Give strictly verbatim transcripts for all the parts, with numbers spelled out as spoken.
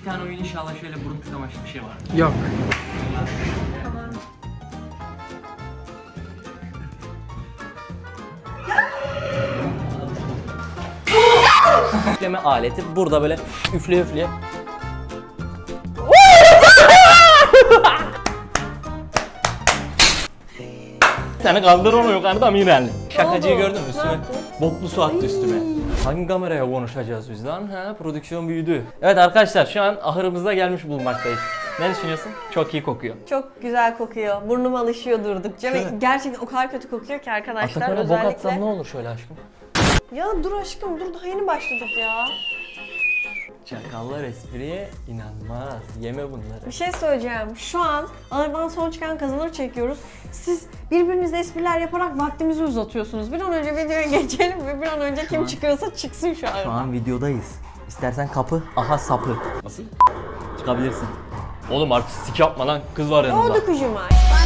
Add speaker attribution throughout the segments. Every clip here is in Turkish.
Speaker 1: tane oyun inşallah şöyle burun tıkamaçlı bir şey var.
Speaker 2: Yok.
Speaker 3: Tamam.
Speaker 1: Üfleme aleti burada böyle üfle üfle. Seni kaldırmıyor yukarıda Mirel. Şakacıyı
Speaker 3: oldu?
Speaker 1: gördün mü
Speaker 3: Ne
Speaker 1: üstüme?
Speaker 3: yaptı?
Speaker 1: Boklu su attı üstüme. Hangi kameraya konuşacağız biz lan? Ha, prodüksiyon büyüdü. Evet arkadaşlar şu an ahırımıza gelmiş bulunmaktayız. Ne düşünüyorsun? Çok iyi kokuyor.
Speaker 3: Çok güzel kokuyor. Burnum alışıyor durdukça ve
Speaker 1: Şöyle.
Speaker 3: gerçekten o kadar kötü kokuyor ki arkadaşlar.
Speaker 1: Atakan'a bok
Speaker 3: Özellikle...
Speaker 1: atsam ne olur şöyle aşkım?
Speaker 3: Ya dur aşkım dur, daha yeni başladık ya.
Speaker 1: Çakallar espriye inanmaz. Yeme bunları.
Speaker 3: Bir şey söyleyeceğim. Şu an ağırdan son çıkan kazanır çekiyoruz. Siz birbirinizle espriler yaparak vaktimizi uzatıyorsunuz. Bir an önce videoya geçelim ve bir an önce kim
Speaker 1: an-
Speaker 3: çıkıyorsa çıksın şu an.
Speaker 1: Şu an videodayız. İstersen kapı, aha sapı. Nasıl? Çıkabilirsin. Oğlum artistik yapma lan. Kız var
Speaker 3: Ne
Speaker 1: yanımda.
Speaker 3: oldu kucuma?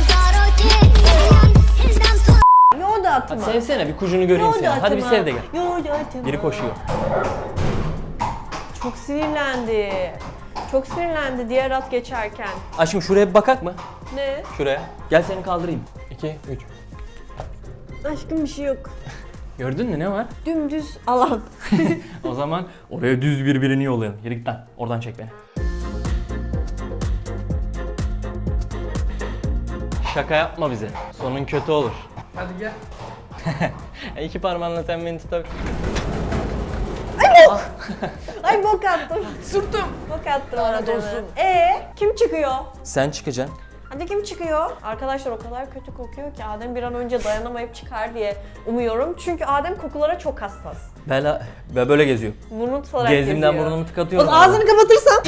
Speaker 3: Yoğurdu atma.
Speaker 1: Hadi sevsene bir kucunu göreyim
Speaker 3: Yoğurdu
Speaker 1: seni. Hadi bir
Speaker 3: atma.
Speaker 1: sev de gel.
Speaker 3: Yoğurdu atma.
Speaker 1: Biri koşuyor.
Speaker 3: Çok sinirlendi. Çok sinirlendi diğer at geçerken.
Speaker 1: Aşkım şuraya bir bakak mı?
Speaker 3: Ne?
Speaker 1: Şuraya. Gel seni kaldırayım. iki, üç.
Speaker 3: Aşkım bir şey yok.
Speaker 1: Gördün mü ne var?
Speaker 3: Dümdüz alan.
Speaker 1: O zaman oraya düz birbirini yollayalım. Yürü git lan. Oradan çek beni. Şaka yapma bize. Sonun kötü olur.
Speaker 2: Hadi gel.
Speaker 1: İki parmağınla sen beni tutar.
Speaker 3: Ay bok attım.
Speaker 2: Sürttüm.
Speaker 3: Bok attım.
Speaker 2: Lanet
Speaker 3: adamı.
Speaker 2: olsun.
Speaker 3: Ee, kim çıkıyor?
Speaker 1: Sen çıkacaksın.
Speaker 3: Hadi kim çıkıyor? Arkadaşlar o kadar kötü kokuyor ki Adem bir an önce dayanamayıp çıkar diye umuyorum. Çünkü Adem kokulara çok hassas.
Speaker 1: Ben, ben böyle geziyorum.
Speaker 3: Burnu tutarak
Speaker 1: Gezdiğimden
Speaker 3: geziyor.
Speaker 1: burnumu tıkatıyorum.
Speaker 3: O ağzını kapatırsan.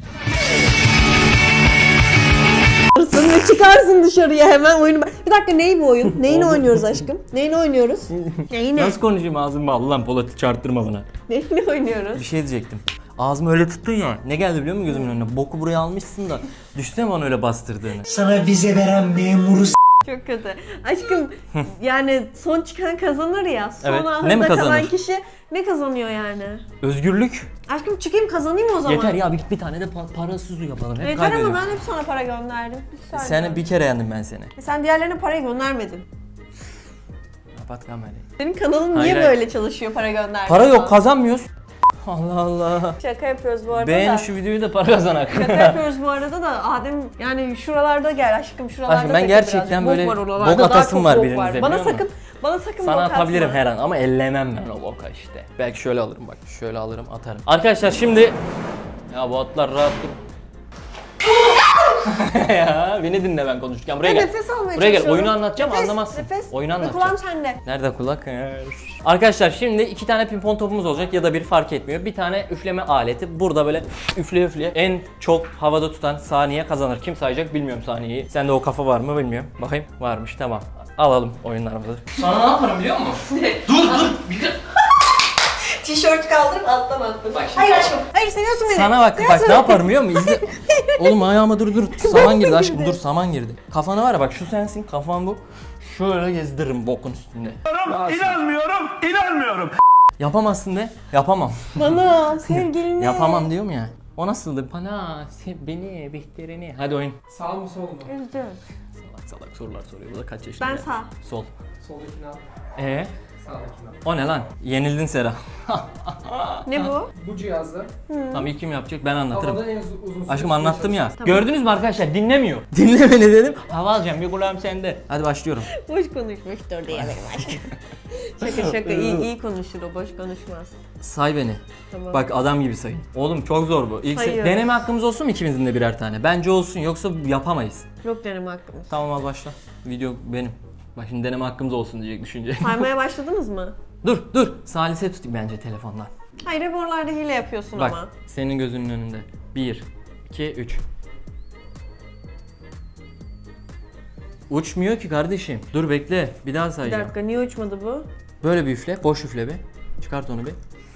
Speaker 3: Ve çıkarsın dışarıya hemen oyunu. Bir dakika neyi bu oyun? Neyini oynuyoruz aşkım? Neyini oynuyoruz? Neyini?
Speaker 1: Nasıl konuşayım ağzım bağlı lan Polat'ı çarptırma bana.
Speaker 3: Neyini oynuyoruz?
Speaker 1: Bir şey diyecektim. Ağzımı öyle tuttun ya. Ne geldi biliyor musun gözümün önüne? Boku buraya almışsın da. Düşünsene bana öyle bastırdığını.
Speaker 4: Sana vize veren memuru
Speaker 3: Çok kötü. Aşkım yani son çıkan kazanır ya. Son
Speaker 1: Evet, ne mi
Speaker 3: ahırda kalan
Speaker 1: kazanır?
Speaker 3: kişi ne kazanıyor yani?
Speaker 1: Özgürlük.
Speaker 3: Aşkım çıkayım kazanayım o zaman.
Speaker 1: Yeter ya bir, bir tane de pa- parasız yapalım. Hep
Speaker 3: Yeter ama
Speaker 1: kaybediyorum.
Speaker 3: ben hep sana para gönderdim. Bir saniye.
Speaker 1: Seni bir kere yendim ben seni.
Speaker 3: E Sen diğerlerine parayı göndermedin.
Speaker 1: Kapat kamerayı.
Speaker 3: Senin kanalın
Speaker 1: Hayır,
Speaker 3: niye
Speaker 1: hayır.
Speaker 3: böyle çalışıyor para göndermiyor?
Speaker 1: Para yok kazanmıyoruz. Allah Allah.
Speaker 3: Şaka yapıyoruz bu arada
Speaker 1: Beğen
Speaker 3: da.
Speaker 1: şu videoyu da para kazanak.
Speaker 3: Şaka yapıyoruz bu arada da Adem yani şuralarda gel aşkım şuralarda
Speaker 1: Aşkım, ben
Speaker 3: takıl
Speaker 1: gerçekten
Speaker 3: birazcık.
Speaker 1: böyle
Speaker 3: Bok var oralarda,
Speaker 1: bok
Speaker 3: daha
Speaker 1: atasım
Speaker 3: çok
Speaker 1: var
Speaker 3: bok
Speaker 1: birinize,
Speaker 3: Bana
Speaker 1: biliyor
Speaker 3: sakın bana sakın
Speaker 1: Sana
Speaker 3: bok
Speaker 1: atabilirim
Speaker 3: atma.
Speaker 1: her an ama ellemem ben o boka işte. Belki şöyle alırım bak. Şöyle alırım atarım. Arkadaşlar şimdi ya bu atlar rahat dur. Ya beni dinle ben konuşurken buraya
Speaker 3: Ben
Speaker 1: gel.
Speaker 3: nefes almaya
Speaker 1: Buraya gel.
Speaker 3: çalışıyorum.
Speaker 1: Oyunu anlatacağım
Speaker 3: Nefes,
Speaker 1: anlamazsın.
Speaker 3: Nefes.
Speaker 1: Oyunu
Speaker 3: Ve
Speaker 1: anlatacağım.
Speaker 3: kulağım sende.
Speaker 1: Nerede kulak? Arkadaşlar şimdi iki tane pimpon topumuz olacak ya da bir fark etmiyor. Bir tane üfleme aleti. Burada böyle üfle üfle en çok havada tutan saniye kazanır. Kim sayacak bilmiyorum saniyeyi. Sende o kafa var mı bilmiyorum. Bakayım varmış tamam. Alalım oyunlarımızı. Sana ne yaparım biliyor musun? dur dur.
Speaker 3: Tişört kaldırıp alttan attım.
Speaker 1: Bak şimdi-
Speaker 3: Hayır aşkım. Hayır seviyorsun beni.
Speaker 1: Sana bak bak
Speaker 3: Seviyorsun
Speaker 1: ne
Speaker 3: beni.
Speaker 1: yaparım biliyor musun? İzle. Oğlum ayağıma dur dur. Saman girdi aşkım dur saman girdi. Kafana var ya bak şu sensin kafan bu. Şöyle gezdiririm bokun üstünde.
Speaker 4: İnanmıyorum, inanmıyorum.
Speaker 1: Yapamazsın de. Yapamam.
Speaker 3: Bana sevgilini.
Speaker 1: Yapamam diyorum ya. O nasıldı? Bana, sev beni, Bihter'ini. Hadi oyun.
Speaker 2: Sağ mı sol mu?
Speaker 3: Üzdüm.
Speaker 1: Salak salak sorular soruyor. Bu da kaç yaşında?
Speaker 3: Ben
Speaker 1: ya?
Speaker 3: sağ.
Speaker 1: Sol.
Speaker 2: Soldakini al.
Speaker 1: Ee,
Speaker 2: Sağdakini al.
Speaker 1: o ne lan? Yenildin Sera.
Speaker 3: Ne bu?
Speaker 2: Bu cihazda
Speaker 1: Tamam ilk kim yapacak? Ben anlatırım.
Speaker 2: havada en uz- uzun süre
Speaker 1: Aşkım
Speaker 2: tutmaya
Speaker 1: anlattım ya.
Speaker 2: çalışıyorsun.
Speaker 1: Gördünüz mü arkadaşlar? Dinlemiyor. Dinle beni dedim. Hava alacağım. Bir kulağım sende. Hadi başlıyorum.
Speaker 3: Boş konuşmuştur diye benim aşkım. şaka şaka iyi, iyi konuşur o boş konuşmaz.
Speaker 1: Say beni.
Speaker 3: Tamam.
Speaker 1: Bak adam gibi sayın. Oğlum çok zor bu. İlk se-
Speaker 3: Sayıyorum.
Speaker 1: deneme hakkımız olsun mu ikimizin de birer tane? Bence olsun yoksa yapamayız.
Speaker 3: Yok deneme hakkımız.
Speaker 1: Tamam al başla. Video benim. Bak şimdi deneme hakkımız olsun diyecek düşünce.
Speaker 3: Saymaya başladınız mı?
Speaker 1: dur dur. Salise tutayım bence telefondan.
Speaker 3: Hayır hep oralarda hile yapıyorsun
Speaker 1: Bak
Speaker 3: ama.
Speaker 1: senin gözünün önünde. bir, iki, üç. Uçmuyor ki kardeşim. Dur bekle. Bir daha
Speaker 3: Bir
Speaker 1: sayacağım.
Speaker 3: dakika niye uçmadı bu?
Speaker 1: Böyle bir üfle. Boş üfle bir. Çıkart onu bir.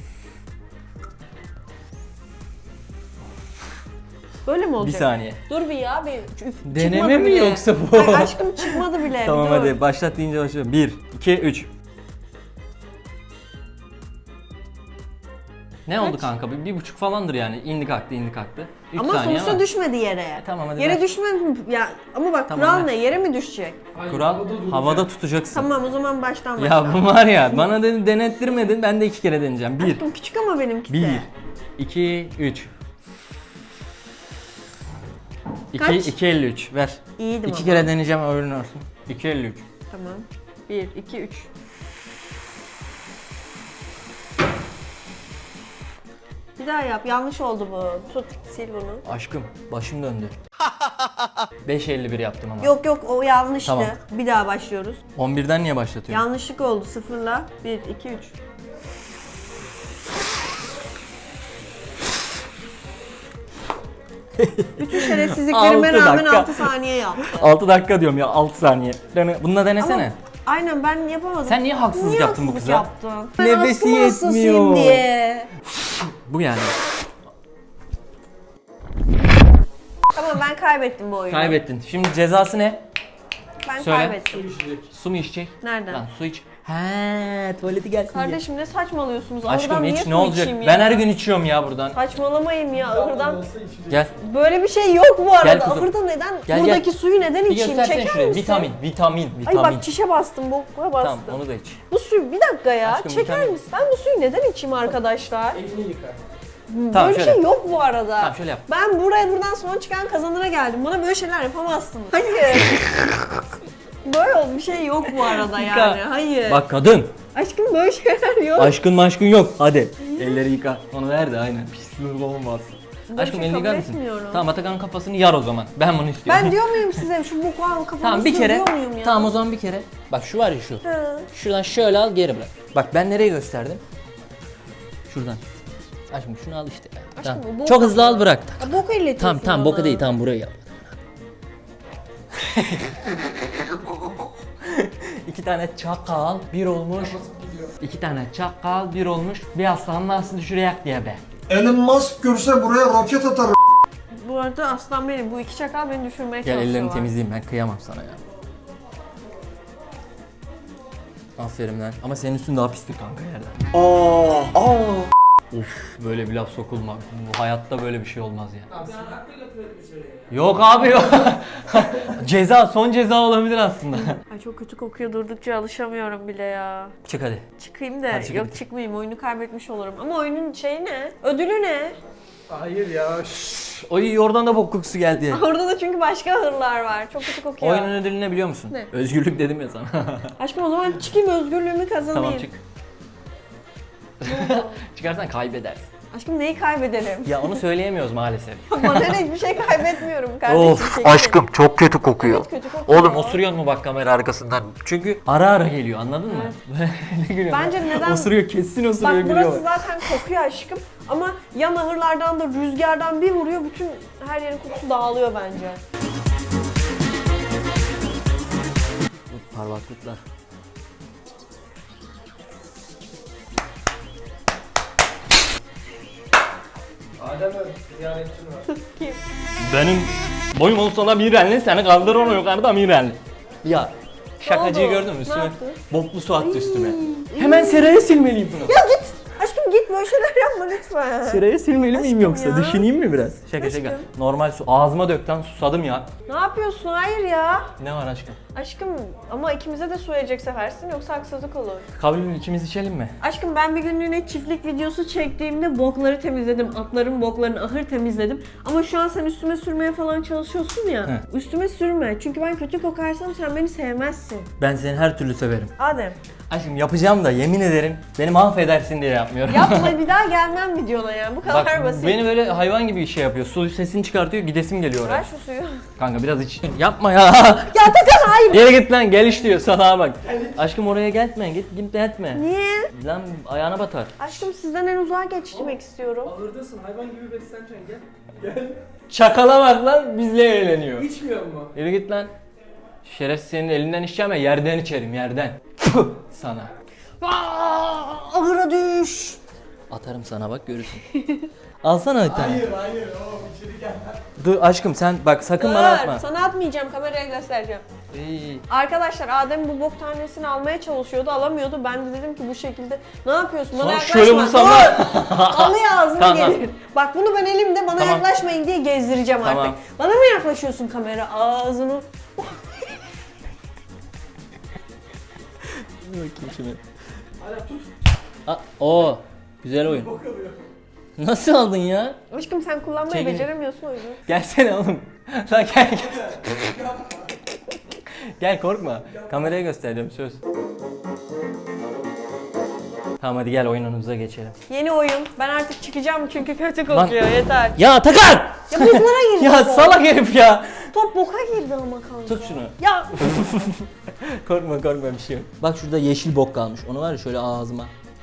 Speaker 3: Böyle mi
Speaker 1: Bir
Speaker 3: olacak?
Speaker 1: saniye.
Speaker 3: Dur bir ya bir üf,
Speaker 1: Deneme
Speaker 3: çıkmadı
Speaker 1: mi
Speaker 3: bile.
Speaker 1: yoksa bu?
Speaker 3: Ay aşkım çıkmadı bile.
Speaker 1: Tamam
Speaker 3: bir dur.
Speaker 1: hadi başlat deyince başlıyorum. bir, iki, üç. Ne oldu
Speaker 3: Kaç?
Speaker 1: kanka? Bir, bir buçuk falandır yani. İndi kalktı, indi kalktı. Üç
Speaker 3: Ama
Speaker 1: saniye
Speaker 3: sonuçta
Speaker 1: ama.
Speaker 3: düşmedi yere.
Speaker 1: Tamam, hadi
Speaker 3: Yere
Speaker 1: ver.
Speaker 3: düşmedi ya, ama bak
Speaker 1: Tamam,
Speaker 3: kural
Speaker 1: ver.
Speaker 3: ne? Yere mi düşecek?
Speaker 2: Hayır,
Speaker 1: Kural
Speaker 2: duracak.
Speaker 1: havada tutacaksın.
Speaker 3: Tamam, o zaman baştan
Speaker 1: Ya
Speaker 3: başla.
Speaker 1: bu var ya, bana dedin denettirmedin, ben de iki kere deneyeceğim. Bir,
Speaker 3: Aşkım küçük ama benimkisi.
Speaker 1: bir, iki, üç.
Speaker 3: Kaç?
Speaker 1: İki, iki elli üç. Ver.
Speaker 3: İyiydim
Speaker 1: İki
Speaker 3: ama.
Speaker 1: kere deneyeceğim, öğren olsun. iki elli üç.
Speaker 3: Tamam. bir, iki, üç. Bir daha yap. Yanlış oldu bu. Tut, sil bunu.
Speaker 1: Aşkım, başım döndü. beş elli bir yaptım ama.
Speaker 3: Yok yok, o yanlıştı.
Speaker 1: Tamam.
Speaker 3: Bir daha başlıyoruz.
Speaker 1: on birden niye başlatıyorsun?
Speaker 3: Yanlışlık oldu. Sıfırla. bir, iki, üç. Bütün şerefsizliklerime
Speaker 1: Altı
Speaker 3: rağmen
Speaker 1: dakika.
Speaker 3: altı saniye yaptı.
Speaker 1: altı dakika diyorum ya, altı saniye. Dene, bununla denesene.
Speaker 3: Ama aynen, ben yapamadım.
Speaker 1: Sen niye haksızlık
Speaker 3: Niye
Speaker 1: yaptın bu
Speaker 3: haksızlık
Speaker 1: kıza?
Speaker 3: yaptın? Ben
Speaker 1: Nefesi
Speaker 3: aslında hastasıyım
Speaker 1: yetmiyor.
Speaker 3: diye.
Speaker 1: Bu yani.
Speaker 3: Tamam, ben kaybettim bu oyunu.
Speaker 1: Kaybettin. Şimdi cezası ne?
Speaker 3: Ben
Speaker 1: Söyle.
Speaker 3: kaybettim.
Speaker 1: Su mu içecek?
Speaker 3: Nereden?
Speaker 1: Lan su iç. He, tuvaleti gelsin diye.
Speaker 3: Kardeşim ne saçmalıyorsunuz?
Speaker 1: Aşkım
Speaker 3: Ahırdan niye
Speaker 1: iç,
Speaker 3: su
Speaker 1: ne olacak?
Speaker 3: içeyim ya?
Speaker 1: Ben her gün içiyorum ya buradan.
Speaker 3: Saçmalamayın ya, ahırdan.
Speaker 1: Gel.
Speaker 3: Böyle bir şey yok bu arada.
Speaker 1: Gel kızım.
Speaker 3: Ahırda neden?
Speaker 1: Gel,
Speaker 3: Buradaki
Speaker 1: gel.
Speaker 3: suyu neden
Speaker 1: Bir
Speaker 3: içeyim?
Speaker 1: göstersene
Speaker 3: Çeker
Speaker 1: şuraya.
Speaker 3: misin?
Speaker 1: Vitamin, vitamin,
Speaker 3: Ay
Speaker 1: vitamin.
Speaker 3: bak, çişe bastım, bokuya bastım.
Speaker 1: Tamam, onu da iç.
Speaker 3: Bu suyu bir dakika ya.
Speaker 1: Aşkım,
Speaker 3: Çeker
Speaker 1: vitamin.
Speaker 3: misin? Ben bu suyu neden içeyim arkadaşlar?
Speaker 2: Elini yıka.
Speaker 1: Tamam,
Speaker 3: böyle bir
Speaker 1: şöyle.
Speaker 3: şey yok bu arada.
Speaker 1: Tamam, şöyle yap.
Speaker 3: Ben buraya buradan son çıkan kazanana geldim. Bana böyle şeyler yapamazsınız. Hayır. Böyle bir şey yok bu arada
Speaker 1: Yıka.
Speaker 3: yani. Hayır.
Speaker 1: Bak kadın.
Speaker 3: Aşkım böyle şeyler yok.
Speaker 1: Aşkın maşkın yok. Hadi. Elleri yıka. Onu ver de aynen. Pislik olmaz.
Speaker 3: Böyle
Speaker 1: Aşkım
Speaker 3: şey
Speaker 1: elini
Speaker 3: kabul
Speaker 1: yıkar mısın?
Speaker 3: etmiyorum.
Speaker 1: Tamam, Atakan'ın kafasını yar o zaman. Ben bunu istiyorum.
Speaker 3: Ben diyor muyum size şu boku al kafamı
Speaker 1: Tamam bir kere.
Speaker 3: diyor muyum ya?
Speaker 1: Tamam o zaman bir kere. Bak şu var ya şu.
Speaker 3: Hı.
Speaker 1: Şuradan şöyle al, geri bırak. Bak ben nereye gösterdim? Şuradan. Aşkım şunu al işte. Tamam.
Speaker 3: bu boka
Speaker 1: Çok hızlı al, bırak.
Speaker 3: Ya boku illetiyorsun
Speaker 1: Tamam tamam, boka
Speaker 3: bana.
Speaker 1: değil, tamam burayı yap. İki tane çakal bir olmuş. İki tane çakal bir olmuş. Bir aslan nasıl düşürecek diye be.
Speaker 5: Elon Musk görse buraya roket atar.
Speaker 3: Bu arada aslan benim. Bu iki çakal beni düşürmeye
Speaker 1: Gel
Speaker 3: çalışıyorlar.
Speaker 1: ellerini temizleyeyim, ben kıyamam sana ya. Aferin lan. Ama senin üstün daha pislik kanka yerden.
Speaker 5: Aa, aa.
Speaker 1: Of, böyle bir laf sokulma. Bu hayatta böyle bir şey olmaz ya.
Speaker 2: Abi sen hakkıyla tuvalet dışarıya.
Speaker 1: Yok abi yok. Ceza, son ceza olabilir aslında.
Speaker 3: Ay çok kötü kokuyor, durdukça alışamıyorum bile ya.
Speaker 1: Çık hadi.
Speaker 3: Çıkayım da
Speaker 1: Hadi çık,
Speaker 3: yok
Speaker 1: hadi.
Speaker 3: çıkmayayım, oyunu kaybetmiş olurum. Ama oyunun şeyi ne? Ödülü ne?
Speaker 2: Hayır ya. şşş.
Speaker 1: Oy, oradan da bok kokusu geldi.
Speaker 3: Orada da çünkü başka hırlar var. Çok kötü kokuyor.
Speaker 1: Oyunun ödülü ne biliyor musun?
Speaker 3: Ne?
Speaker 1: Özgürlük dedim ya sana.
Speaker 3: Aşkım o zaman çıkayım, özgürlüğümü kazanayım.
Speaker 1: Tamam çık. Çıkarsan kaybedersin.
Speaker 3: Aşkım neyi kaybederim?
Speaker 1: Ya onu söyleyemiyoruz maalesef.
Speaker 3: Bana ne, hiçbir şey kaybetmiyorum kardeşim.
Speaker 1: Of
Speaker 3: çekilin.
Speaker 1: aşkım çok kötü kokuyor.
Speaker 3: Evet, kötü kokuyor.
Speaker 1: Oğlum osuruyor mu bak kamera arkasından? Çünkü ara ara geliyor, anladın mı? Ne gülüyorsun?
Speaker 3: Bence neden-
Speaker 1: Osuruyor, kesin osuruyor,
Speaker 3: Bak
Speaker 1: gülüyor.
Speaker 3: burası zaten kokuyor aşkım. Ama ya ahırlardan da rüzgardan bir vuruyor, bütün her yerin kokusu dağılıyor bence.
Speaker 1: Parmaklıklar.
Speaker 2: Adem Ö, ziyaretçin var.
Speaker 3: Kim?
Speaker 1: Benim boyum olsa da Mirenli, seni kaldır onu yukarıda Mirenli. Ya şakacıyı
Speaker 3: oldu?
Speaker 1: gördün mü
Speaker 3: Ne
Speaker 1: üstüme?
Speaker 3: yaptı?
Speaker 1: Boklu su attı üstüme. Hemen seraya silmeliyim bunu.
Speaker 3: Ya git! Aşkım git, böyle şeyler yapma lütfen.
Speaker 1: Seraya silmeli miyim
Speaker 3: Aşkım
Speaker 1: yoksa?
Speaker 3: ya.
Speaker 1: Düşüneyim mi biraz? Şaka
Speaker 3: Aşkım.
Speaker 1: şaka. Normal su. Ağzıma dökten susadım ya.
Speaker 3: Ne yapıyorsun? Hayır ya.
Speaker 1: Ne var aşkım?
Speaker 3: Aşkım ama ikimize de su verecek sefersin, yoksa haksızlık olur.
Speaker 1: Kabul ikimiz içelim mi?
Speaker 3: Aşkım ben bir günlüğüne çiftlik videosu çektiğimde bokları temizledim. Atların boklarını, ahır temizledim. Ama şu an sen üstüme sürmeye falan çalışıyorsun ya.
Speaker 1: He.
Speaker 3: Üstüme sürme. Çünkü ben kötü kokarsam sen beni sevmezsin.
Speaker 1: Ben seni her türlü severim.
Speaker 3: Adem,
Speaker 1: Aşkım yapacağım da yemin ederim beni mahvedersin diye yapmıyorum.
Speaker 3: yapma, bir daha gelmem videona ya. Bu kadar
Speaker 1: Bak
Speaker 3: basit.
Speaker 1: beni böyle hayvan gibi şey yapıyor. Su sesini çıkartıyor, gidesim geliyor oraya.
Speaker 3: Ver şu suyu.
Speaker 1: Kanka biraz iç. Yapma ya.
Speaker 3: Ya Atakan hayır.
Speaker 1: Geri git lan, gel iş diyor sana bak. Aşkım oraya gelme, git git etme.
Speaker 3: Niye?
Speaker 1: Lan ayağına batar.
Speaker 3: Aşkım sizden en uzağa geçmek istiyorum.
Speaker 2: Ahırdasın, hayvan gibi besleneceksin, gel. Gel.
Speaker 1: Çakala bak lan, bizle eğleniyor.
Speaker 2: İçmiyor mu?
Speaker 1: Yürü git lan. Şerefsiz, senin elinden içeceğim ya, yerden içerim yerden. Puh, sana.
Speaker 3: Aa, ahıra düş.
Speaker 1: Atarım sana bak, görürsün. Alsana bir tane.
Speaker 2: Hayır, hayır. O içeri gel.
Speaker 1: Dur aşkım sen bak, sakın bana atma.
Speaker 3: Sana atmayacağım, kameraya göstereceğim.
Speaker 1: İyi.
Speaker 3: Arkadaşlar Adem bu bok tanesini almaya çalışıyordu, alamıyordu. Ben de dedim ki bu şekilde ne yapıyorsun? Bana
Speaker 1: Sonra
Speaker 3: yaklaşma.
Speaker 1: şöyle vursam
Speaker 3: Dur!
Speaker 1: da-
Speaker 3: Alıyor ağzına
Speaker 1: Tamam.
Speaker 3: gelir. Bak bunu ben elimde bana
Speaker 1: Tamam.
Speaker 3: yaklaşmayın diye gezdireceğim
Speaker 1: Tamam.
Speaker 3: artık. Bana mı yaklaşıyorsun kamera? Ağzını.
Speaker 1: Bakayım şimdi.
Speaker 2: Adem tut.
Speaker 1: Aa, oo, güzel oyun.
Speaker 2: Bok alıyor.
Speaker 1: Nasıl aldın ya?
Speaker 3: Aşkım sen kullanmayı
Speaker 1: Çekil.
Speaker 3: beceremiyorsun o yüzden.
Speaker 1: Gelsene oğlum. Lan gel gel. Gel korkma. Kameraya göstereceğim söz. Tamam hadi gel oyunumuza geçelim.
Speaker 3: Yeni oyun. Ben artık çıkacağım çünkü kötü
Speaker 1: Lan-
Speaker 3: kokuyor. Yeter.
Speaker 1: Ya Atakan!
Speaker 3: Ya boklara girdi.
Speaker 1: Ya
Speaker 3: top.
Speaker 1: salak herif ya.
Speaker 3: Top boka girdi ama kanka.
Speaker 1: Tut şunu.
Speaker 3: Ya
Speaker 1: Korkma korkma bir şey yok. Bak şurada yeşil bok kalmış. Onu var ya şöyle ağzıma.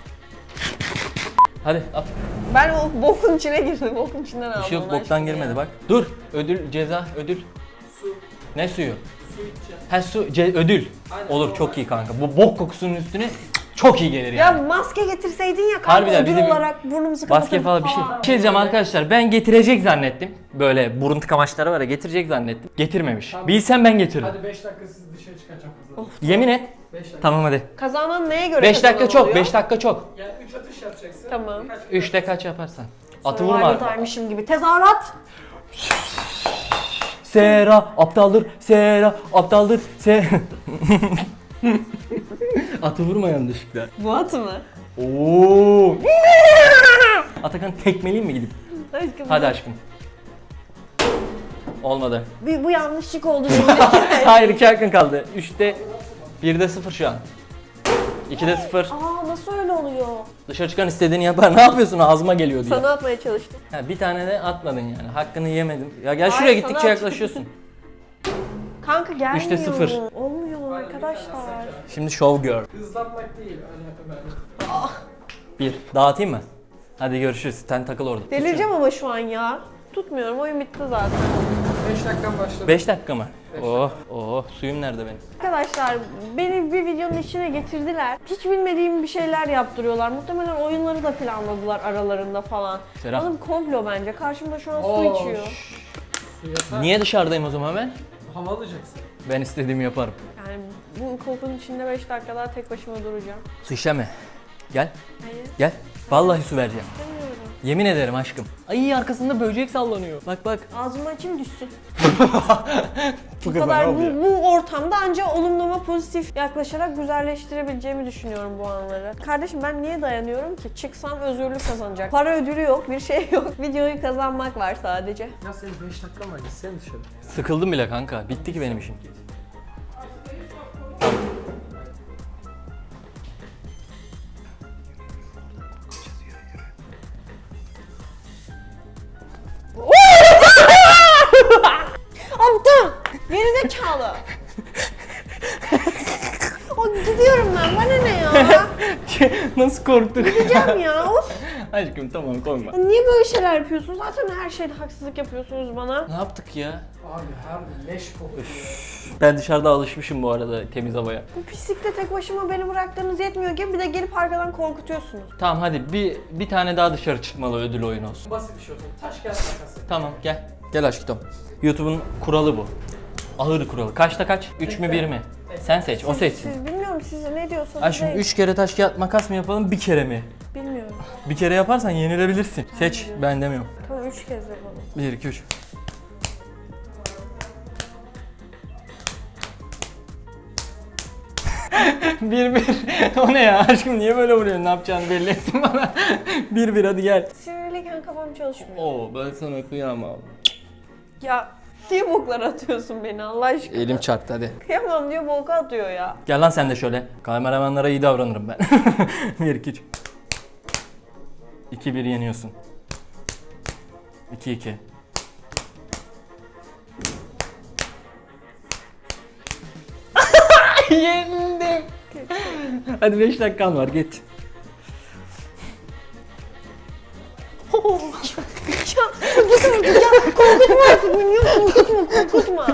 Speaker 1: Hadi at.
Speaker 3: ben o bokun içine girdim. Bokun içinden aldım.
Speaker 1: Bir şey yok
Speaker 3: onu
Speaker 1: boktan
Speaker 3: aşkım
Speaker 1: girmedi
Speaker 3: ya.
Speaker 1: bak. Dur. Ödül ceza ödül.
Speaker 2: Su.
Speaker 1: Ne suyu?
Speaker 2: Su içeceğim.
Speaker 1: Ha su ce- ödül.
Speaker 2: Aynen,
Speaker 1: Olur
Speaker 2: normal.
Speaker 1: çok iyi kanka. Bu bok kokusunun üstüne çok iyi gelir
Speaker 3: Ya
Speaker 1: yani.
Speaker 3: maske getirseydin ya kanka
Speaker 1: Harbiden
Speaker 3: ödül
Speaker 1: bir de bir
Speaker 3: olarak burnumuzu
Speaker 1: Maske
Speaker 3: kapatırdık
Speaker 1: falan bir şey. Bir şey diyeceğim arkadaşlar ben getirecek zannettim. Böyle burun tıkamaçları var ya getirecek zannettim. Getirmemiş.
Speaker 2: Tamam.
Speaker 1: Bilsem ben getiririm.
Speaker 2: Hadi beş dakika siz dışarı çıkacak kızlar.
Speaker 1: Yemin et.
Speaker 2: beş dakika.
Speaker 1: Tamam hadi.
Speaker 3: Kazanan neye göre
Speaker 1: beş dakika
Speaker 3: kazanan
Speaker 1: çok,
Speaker 3: oluyor?
Speaker 1: beş dakika çok.
Speaker 2: Yani üç atış yapacaksın.
Speaker 3: Tamam.
Speaker 2: Kaç-
Speaker 1: üçte kaç yaparsan. Atı
Speaker 3: Survivor
Speaker 1: vurma.
Speaker 3: time'mışım gibi. Tezahürat.
Speaker 1: Sera aptaldır, Sera aptaldır, Se... Atı vurma yanlışlıkla.
Speaker 3: Bu atı mı?
Speaker 1: Oo. Atakan tekmeleyeyim mi gidip?
Speaker 3: Aşkım.
Speaker 1: Hadi aşkım. Olmadı.
Speaker 3: Bu, bu yanlışlık oldu benim.
Speaker 1: Hayır iki hakkın kaldı. üçte birde sıfır şu an. ikide sıfır.
Speaker 3: Aa nasıl öyle oluyor?
Speaker 1: Dışarı çıkan istediğini yapar. Ne yapıyorsun? Ağzıma geliyor diye.
Speaker 3: Sana atmaya çalıştım.
Speaker 1: Ha, bir tane de atmadın yani. Hakkını yemedim. Ya gel şuraya
Speaker 3: Hayır,
Speaker 1: gittikçe
Speaker 3: sana
Speaker 1: yaklaşıyorsun.
Speaker 3: Kanka gelmiyor.
Speaker 1: Üçte sıfır.
Speaker 3: Olmuyor arkadaşlar.
Speaker 1: Şimdi show girl.
Speaker 2: Hızlatmak değil. Öyle böyle.
Speaker 1: Bir. Dağıtayım mı? Hadi görüşürüz. Sen takıl orada.
Speaker 3: Delireceğim ama şu an ya. Tutmuyorum oyun bitti zaten.
Speaker 2: beş dakikan başladı.
Speaker 1: beş dakika mı? Oh, oh. Suyum nerede benim?
Speaker 3: Arkadaşlar beni bir videonun içine getirdiler. Hiç bilmediğim bir şeyler yaptırıyorlar. Muhtemelen oyunları da planladılar aralarında falan.
Speaker 1: Serap.
Speaker 3: Oğlum komplo bence. Karşımda şu an su
Speaker 2: Oo,
Speaker 3: içiyor.
Speaker 2: şşş. Su yasak.
Speaker 1: Niye dışarıdayım o zaman ben?
Speaker 2: Hava alacaksın.
Speaker 1: Ben istediğimi yaparım.
Speaker 3: Yani bu kokunun içinde beş dakika daha tek başıma duracağım.
Speaker 1: Su içeme. Gel,
Speaker 3: Hayır,
Speaker 1: gel. Vallahi su vereceğim.
Speaker 3: istemiyorum.
Speaker 1: Yemin ederim aşkım. Ay arkasında böcek sallanıyor. Bak bak.
Speaker 3: Ağzıma açayım düşsün.
Speaker 1: Bu
Speaker 3: Bu kadar bu, bu ortamda ancak olumlama pozitif yaklaşarak güzelleştirebileceğimi düşünüyorum bu anları. Kardeşim ben niye dayanıyorum ki? Çıksam özgürlük kazanacak. Para ödülü yok, bir şey yok. Videoyu kazanmak var sadece.
Speaker 2: Ya senin beş dakikan var. Gitsene dışarı.
Speaker 1: Sıkıldım bile kanka. Bitti ki benim işim.
Speaker 3: Aptal! Gerizekalı! O gidiyorum ben, bana ne ya?
Speaker 1: Nasıl korktuk?
Speaker 3: Gideceğim ya, of!
Speaker 1: Aşkım tamam korkma.
Speaker 3: Ya niye böyle şeyler yapıyorsunuz? Zaten her şeyde haksızlık yapıyorsunuz bana.
Speaker 1: Ne yaptık ya?
Speaker 2: Abi harbi leş kokuyor.
Speaker 1: Ben dışarıda alışmışım bu arada temiz havaya.
Speaker 3: Bu pislikte tek başıma beni bıraktığınız yetmiyor gibi bir de gelip arkadan korkutuyorsunuz.
Speaker 1: Tamam hadi bir bir tane daha dışarı çıkmalı ödül oyunu olsun.
Speaker 2: Basit bir şey olsun. Taş kağıt makası.
Speaker 1: Tamam gel. Gel aşkım. YouTube'un kuralı bu. Ağır kuralı. Kaçta kaç? üç mü bir mi? Sen seç, o
Speaker 3: Siz-
Speaker 1: seçsin.
Speaker 3: Siz bilmiyorum siz ne diyorsanız
Speaker 1: Aşkım
Speaker 3: deyin.
Speaker 1: üç kere taş kağıt makas mı yapalım bir kere mi?
Speaker 3: Bilmiyorum.
Speaker 1: Bir kere yaparsan yenilebilirsin. Seç, ben demiyorum.
Speaker 3: Tamam üç kez yapalım.
Speaker 1: bir iki üç. bir bir. O ne ya? Aşkım niye böyle vuruyorsun? Ne yapacağını belli ettin bana. bir bir hadi gel.
Speaker 3: Sinirliyken kafam çalışmıyor.
Speaker 1: Oo ben sana kıyamam.
Speaker 3: Ya niye boklar atıyorsun beni Allah aşkına?
Speaker 1: Elim çarptı hadi.
Speaker 3: Kıyamam diyor boka atıyor ya.
Speaker 1: Gel lan sen de şöyle. Kameramanlara iyi davranırım ben. bir iki üç. iki bir yeniyorsun. iki iki. Yendim. Hadi beş dakikan var geç.
Speaker 3: Ya korkutma ya korkutma artık beni ya korkutma korkutma.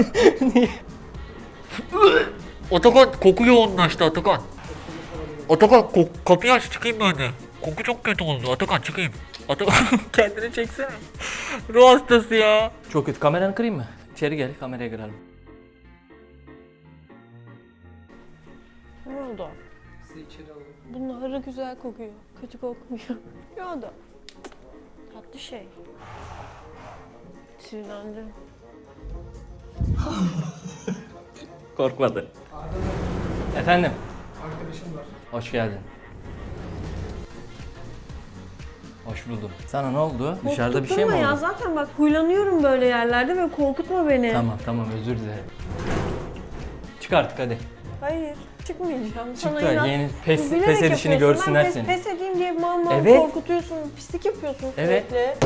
Speaker 1: Atakan koku yoğunlaştı Atakan. Atakan kok kapıyı aç çıkayım ben de. Koku çok kötü oldu Atakan çıkayım. Atakan kendini çeksene. Ruh hastası ya. Çok kötü kameranı kırayım mı? İçeri gel kameraya girelim.
Speaker 3: oldu?
Speaker 2: Sizi içeri alalım.
Speaker 3: Bunlar güzel kokuyor. Kötü kokmuyor. Ne oldu? Tatlı şey. Sinirlendim.
Speaker 1: Korkmadı.
Speaker 2: Arda
Speaker 1: Efendim,
Speaker 2: arkadaşım var.
Speaker 1: hoş geldin. Hoş buldum. Sana ne oldu? Dışarıda bir şey mi
Speaker 3: Korkutma ya,
Speaker 1: oldu?
Speaker 3: zaten bak huylanıyorum böyle yerlerde ve korkutma beni.
Speaker 1: Tamam tamam, özür dilerim. Çık artık hadi.
Speaker 3: Hayır, çıkmayacağım.
Speaker 1: Çık
Speaker 3: Sana
Speaker 1: da
Speaker 3: inat.
Speaker 1: yeni pes,
Speaker 3: Bilerek
Speaker 1: pes edişini
Speaker 3: yapıyorsun.
Speaker 1: görsünler
Speaker 3: ben
Speaker 1: seni.
Speaker 3: pes, pes edeyim diye mal mal
Speaker 1: Evet.
Speaker 3: korkutuyorsun, pislik yapıyorsun
Speaker 1: Evet.
Speaker 3: sürekli.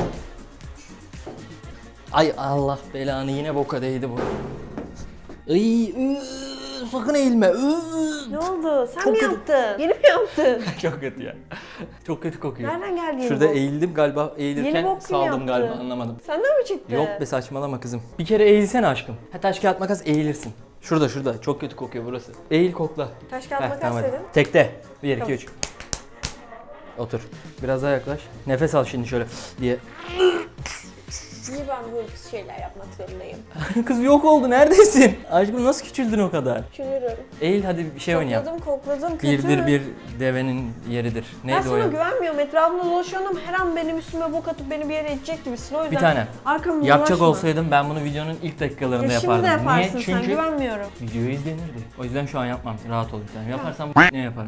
Speaker 1: Ay Allah belanı, yine boka değdi bu. Ay, ıı, sakın eğilme. ıı.
Speaker 3: Ne oldu? Sen
Speaker 1: Çok
Speaker 3: mi
Speaker 1: kötü.
Speaker 3: yaptın? Yeni mi yaptın?
Speaker 1: Çok kötü ya. Çok kötü kokuyor.
Speaker 3: Nereden geldi yeni
Speaker 1: Şurada
Speaker 3: bok?
Speaker 1: eğildim galiba,
Speaker 3: Yeni
Speaker 1: eğilirken
Speaker 3: bok kim
Speaker 1: saldım
Speaker 3: yaptı?
Speaker 1: galiba, anlamadım.
Speaker 3: Senden mi çıktı?
Speaker 1: Yok be, saçmalama kızım. Bir kere eğilsene aşkım. Ha, taş kağıt makas, eğilirsin. Şurada şurada, çok kötü kokuyor burası. Eğil, kokla.
Speaker 3: Taş kağıt
Speaker 1: Heh,
Speaker 3: makas
Speaker 1: tamam hadi.
Speaker 3: dedin.
Speaker 1: Tekte. bir, iki,
Speaker 3: Tamam.
Speaker 1: üç. Otur. Biraz daha yaklaş. Nefes al şimdi şöyle diye.
Speaker 3: Niye ben böyle pis şeyler yapmak zorundayım?
Speaker 1: Kız yok oldu, neredesin? Aşkım nasıl küçüldün o kadar?
Speaker 3: Düşünürüm.
Speaker 1: Eğil hadi, bir şey oynayalım.
Speaker 3: Kokladım kokladım kötü.
Speaker 1: Birdir bir devenin yeridir.
Speaker 3: Ben
Speaker 1: Neydi o
Speaker 3: sana
Speaker 1: ya?
Speaker 3: güvenmiyorum. Etrafımda dolaşıyorum. Her an benim üstüme bok atıp beni bir yere itecek gibisin. O yüzden
Speaker 1: Bir tane.
Speaker 3: arkamda
Speaker 1: Yapacak
Speaker 3: dolaşma.
Speaker 1: olsaydım ben bunu videonun ilk dakikalarında
Speaker 3: Ya şimdi
Speaker 1: yapardım.
Speaker 3: de yaparsın
Speaker 1: Niye?
Speaker 3: sen,
Speaker 1: Çünkü
Speaker 3: güvenmiyorum.
Speaker 1: video izlenirdi. O yüzden şu an yapmam. Rahat ol bir tane. Yaparsam ne yaparım?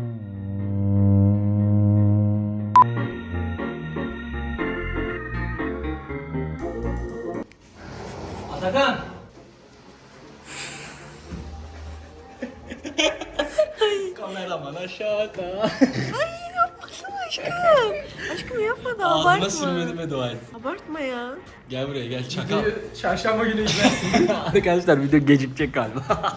Speaker 1: Atakan! Kameraman aşağıda.
Speaker 3: Ay yapmasana aşkım. Aşkım yapma da abartma.
Speaker 1: Ağzıma sürmediğime dua et.
Speaker 3: Abartma ya.
Speaker 1: Gel buraya gel, çakal.
Speaker 2: Videoyu çarşamba günü izlersin.
Speaker 1: Arkadaşlar video gecikecek galiba.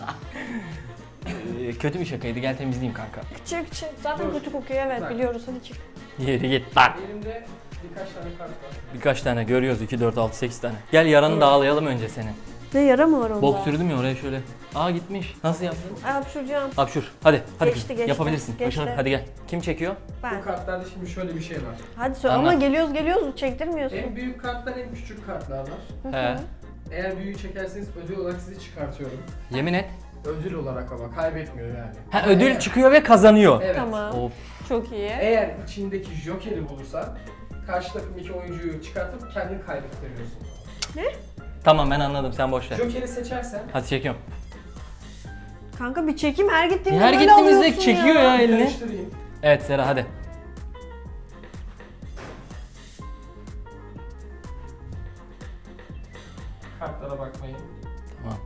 Speaker 1: Ee, Kötü bir şakaydı, gel temizleyeyim kanka.
Speaker 3: Çık çık. Zaten
Speaker 2: Dur.
Speaker 3: kötü kokuyor, evet
Speaker 2: Bak.
Speaker 3: biliyoruz, hadi çık.
Speaker 1: Yeri git lan.
Speaker 2: Elimde birkaç tane kart var.
Speaker 1: Birkaç tane görüyoruz, iki, dört, altı, sekiz tane. Gel yaranı dağılayalım önce senin.
Speaker 3: Ne yara mı var onda?
Speaker 1: Bok sürdüm ya oraya şöyle. Aa gitmiş. Nasıl yaptın?
Speaker 3: Ay hapşuracağım.
Speaker 1: Hapşur. Hadi. Hadi.
Speaker 3: Geçti,
Speaker 1: kızım.
Speaker 3: geçti.
Speaker 1: Yapabilirsin.
Speaker 3: Geçti.
Speaker 1: Başarı. Hadi gel. Kim çekiyor?
Speaker 3: Ben.
Speaker 2: Bu kartlarda şimdi şöyle bir şey var.
Speaker 3: Hadi söyle
Speaker 1: Anlat.
Speaker 3: ama geliyoruz geliyoruz çektirmiyorsun.
Speaker 2: En büyük kartlar, en küçük kartlar var.
Speaker 1: He.
Speaker 2: Eğer büyüğü çekerseniz ödül olarak sizi çıkartıyorum.
Speaker 1: Yemin et.
Speaker 2: Ödül olarak ama kaybetmiyor yani.
Speaker 1: Ha,
Speaker 2: Ama
Speaker 1: ödül
Speaker 2: eğer-
Speaker 1: çıkıyor ve kazanıyor.
Speaker 2: Evet.
Speaker 3: Tamam.
Speaker 1: Of.
Speaker 3: Çok iyi.
Speaker 2: Eğer içindeki Joker'i bulursan karşı takımdaki oyuncuyu çıkartıp kendini kaybettiriyorsun.
Speaker 1: Tamam, ben anladım, sen boş ver.
Speaker 2: Joker'i seçersen
Speaker 1: Hadi çekiyorum.
Speaker 3: Kanka bir çekim, her gittiğimde
Speaker 1: Her
Speaker 3: böyle
Speaker 1: gittiğimizde
Speaker 3: alıyorsun
Speaker 1: çekiyor ya elini.
Speaker 2: karıştırayım.
Speaker 1: Evet Sera, hadi.
Speaker 2: Kartlara bakmayın.
Speaker 1: Tamam.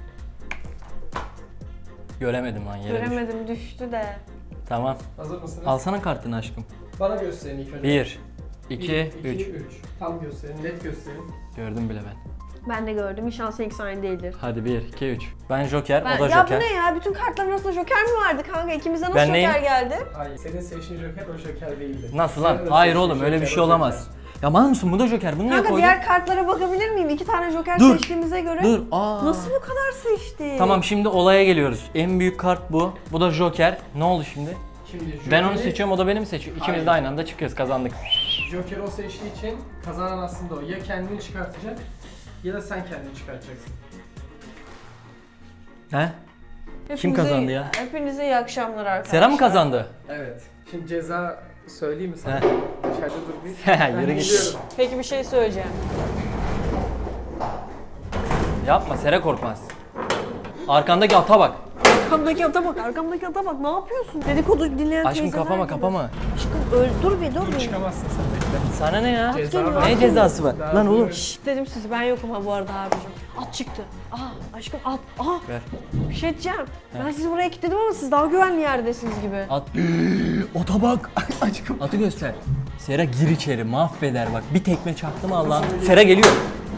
Speaker 1: Göremedim lan, yere düş.
Speaker 3: Göremedim, düştü de.
Speaker 1: Tamam.
Speaker 2: Hazır mısınız?
Speaker 1: Alsana kartını aşkım.
Speaker 2: Bana gösterin ilk önce.
Speaker 1: Bir,
Speaker 2: Bir,
Speaker 1: iki, üç.
Speaker 2: üç. Tam gösterin, net gösterin.
Speaker 1: Gördüm bile ben.
Speaker 3: Ben de gördüm. İnşallah seninki aynı değildir.
Speaker 1: Hadi bir, iki, üç. Ben Joker,
Speaker 3: Ben,
Speaker 1: o da
Speaker 3: ya
Speaker 1: Joker.
Speaker 3: bu ne ya? Bütün kartların arasında Joker mi vardı kanka? İkimize nasıl
Speaker 1: Ben
Speaker 3: Joker
Speaker 1: neyim?
Speaker 3: geldi?
Speaker 2: Hayır, senin seçtiğin Joker o Joker değildi.
Speaker 1: Nasıl lan?
Speaker 2: Senin de
Speaker 1: Hayır
Speaker 2: seçtiğin
Speaker 1: oğlum, öyle bir
Speaker 2: Joker
Speaker 1: şey
Speaker 2: o
Speaker 1: olamaz.
Speaker 2: Joker.
Speaker 1: Ya mal mısın? Bu da Joker. Bunu niye
Speaker 3: Kanka
Speaker 1: koydun?
Speaker 3: diğer kartlara bakabilir miyim? İki tane Joker
Speaker 1: Dur.
Speaker 3: seçtiğimize göre.
Speaker 1: Dur. Aa.
Speaker 3: Nasıl bu kadar seçti?
Speaker 1: Tamam, şimdi olaya geliyoruz. En büyük kart bu. Bu da Joker. Ne oldu şimdi?
Speaker 2: Şimdi Joker'i,
Speaker 1: Ben onu seçiyorum, o da beni mi seçiyor? İkimiz
Speaker 2: Hayır.
Speaker 1: de aynı anda çıkıyoruz, kazandık.
Speaker 2: Joker o seçtiği için kazanan aslında o. Ya kendini çıkartacak ya da sen kendini çıkartacaksın.
Speaker 1: He?
Speaker 3: Hepinize-
Speaker 1: kazandı ya?
Speaker 3: Hepinize iyi akşamlar arkadaşlar.
Speaker 1: Sera mı kazandı?
Speaker 2: Evet. Şimdi ceza söyleyeyim mi sana?
Speaker 1: He.
Speaker 2: Dışarıda dur bir.
Speaker 1: He,
Speaker 2: Ben
Speaker 1: yürü git.
Speaker 2: gidiyorum.
Speaker 3: Peki bir şey söyleyeceğim.
Speaker 1: Yapma, Sera korkmaz. Arkandaki ata bak.
Speaker 3: Arkamdaki ata bak, arkamdaki ata bak. Ne yapıyorsun? Dedikodu dinleyen
Speaker 1: Aşkım
Speaker 3: teyzeler
Speaker 1: kapama
Speaker 3: gibi.
Speaker 1: kapama.
Speaker 3: Aşkım öl, dur bir dur
Speaker 2: Dur
Speaker 3: bir.
Speaker 2: çıkamazsın sen bekle.
Speaker 1: Sana ne ya?
Speaker 2: Ceza
Speaker 3: geliyor.
Speaker 2: var.
Speaker 1: Ne cezası var?
Speaker 2: Daha
Speaker 1: Lan oğlum.
Speaker 2: dur.
Speaker 3: Şşt dedim size, ben yokum ha bu arada abicim. At çıktı. Aa aşkım at. Aa
Speaker 1: Ver.
Speaker 3: bir şey diyeceğim. Ben sizi buraya kilitledim ama siz daha güvenli yerdesiniz gibi.
Speaker 1: At. Ota bak. Aşkım. Atı göster. Sera gir içeri, mahveder bak. Bir tekme çaktı mı Allah'ım. Sera geliyor.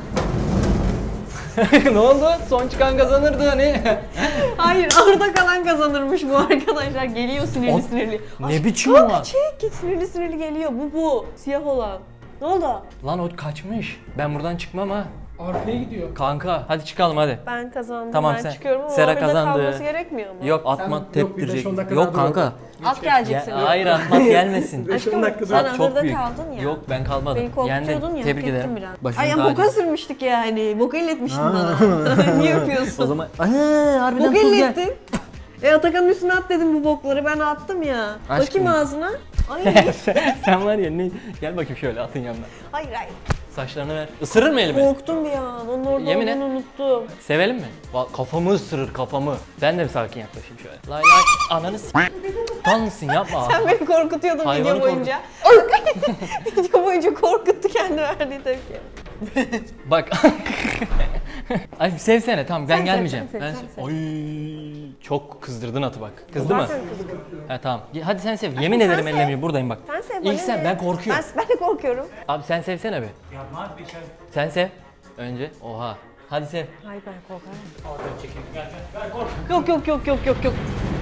Speaker 1: Ne oldu? Son çıkan kazanırdı hani.
Speaker 3: Hayır, orada kalan kazanırmış bu arkadaşlar. Geliyor sinirli
Speaker 1: O-
Speaker 3: sinirli.
Speaker 1: Ne
Speaker 3: Aşkım,
Speaker 1: biçim o var?
Speaker 3: çek git, sinirli sinirli geliyor. Bu bu. Siyah olan. Ne oldu?
Speaker 1: Lan o kaçmış. Ben buradan çıkmam ha.
Speaker 2: Arkaya gidiyor.
Speaker 1: Kanka hadi çıkalım hadi.
Speaker 3: Ben kazandım.
Speaker 1: Tamam,
Speaker 3: ben
Speaker 1: sen-
Speaker 3: çıkıyorum ama
Speaker 1: Sera
Speaker 3: o bir de
Speaker 1: kazandı.
Speaker 3: kalması gerekmiyor mu?
Speaker 1: Yok,
Speaker 2: Sen-
Speaker 1: atma
Speaker 2: yok, bir beş
Speaker 1: teptirecek.
Speaker 2: on dakika
Speaker 1: Yok
Speaker 2: daha dur
Speaker 1: kanka.
Speaker 2: orada.
Speaker 3: At gelecek
Speaker 1: Ya,
Speaker 3: seni.
Speaker 1: hayır, atmak gelmesin.
Speaker 3: Aşkım
Speaker 2: dakika
Speaker 3: sen
Speaker 1: Çok
Speaker 3: ahırda
Speaker 1: büyük.
Speaker 3: kaldın ya.
Speaker 1: Yok, ben kalmadım.
Speaker 3: Beni korkutuyordun ya.
Speaker 1: Tebrik
Speaker 3: hak ettim
Speaker 1: ederim.
Speaker 3: biraz.
Speaker 1: Başım
Speaker 3: Ay ama
Speaker 1: tacı.
Speaker 3: boka sürmüştük yani. Boka elletmiştin bana. Niye yapıyorsun?
Speaker 1: O zaman Aa, harbiden
Speaker 3: Boka
Speaker 1: tuz gel.
Speaker 3: ellettin. E Atakan'ın üstüne at dedim bu bokları, ben attım ya.
Speaker 1: Aşkım.
Speaker 3: Bakayım ağzına. Ay.
Speaker 1: sen, sen var ya ne? Gel bakayım şöyle atın yanına.
Speaker 3: Hayır hayır.
Speaker 1: Saçlarını ver. Isırır mı elimi?
Speaker 3: Korktum bir an. Onun orada
Speaker 1: Yemin
Speaker 3: olduğunu
Speaker 1: et.
Speaker 3: unuttum.
Speaker 1: Sevelim mi? Va- Kafamı ısırır kafamı. Ben de bir sakin yaklaşayım şöyle. Lay lay ananı s***. Tan mısın yapma.
Speaker 3: Sen beni korkutuyordun
Speaker 1: Hayvanı
Speaker 3: video boyunca. Video boyunca korkuttu kendi verdiği tepki.
Speaker 1: Bak. Ay sevsene tamam ben
Speaker 3: Sen sev,
Speaker 1: gelmeyeceğim.
Speaker 3: sen sev,
Speaker 1: ben
Speaker 3: sen
Speaker 1: sev- Oy çok kızdırdın atı bak. Kızdı mı?
Speaker 3: Zaten kızgın.
Speaker 1: Ha tamam. Hadi sen sev. Yemin
Speaker 3: sen
Speaker 1: ederim
Speaker 3: sev.
Speaker 1: ellemiyorum buradayım bak.
Speaker 3: Sen sev bana
Speaker 1: İlk sen
Speaker 3: ne?
Speaker 1: ben korkuyorum.
Speaker 3: Ben, ben de korkuyorum.
Speaker 1: Abi sen sevsene be. Sen sev. Önce. Oha. Hadi sev.
Speaker 3: Hayır ben korkarım. Yok yok yok yok yok yok.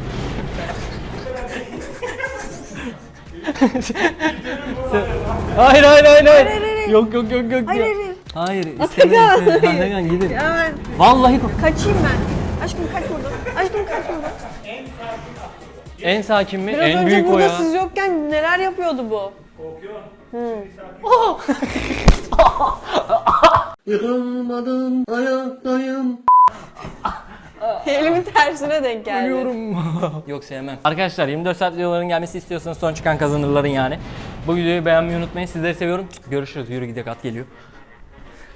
Speaker 1: Hayır hayır hayır hayır.
Speaker 3: hayır, hayır.
Speaker 1: Yok yok yok yok.
Speaker 3: Hayır
Speaker 1: yok.
Speaker 3: hayır hayır.
Speaker 1: Hayır
Speaker 3: Atakan,
Speaker 1: istemiyorum.
Speaker 3: hayır.
Speaker 1: Atakan gidin.
Speaker 3: Ya ben
Speaker 1: Vallahi kork.
Speaker 3: kaçayım ben. Aşkım kaç buradan. Aşkım kaç buradan.
Speaker 1: En sakin mi?
Speaker 3: Biraz
Speaker 1: en
Speaker 3: önce
Speaker 1: büyük o
Speaker 3: burada
Speaker 1: ya.
Speaker 3: siz yokken neler yapıyordu bu?
Speaker 5: Yıkılmadım ayaktayım.
Speaker 3: Elimin tersine denk geldi.
Speaker 1: Ölüyorum. Yok sevmem. Arkadaşlar yirmi dört saat videoların gelmesi istiyorsanız son çıkan kazanırların yani. Bu videoyu beğenmeyi unutmayın. Sizleri seviyorum. Görüşürüz. Yürü gidelim at geliyor.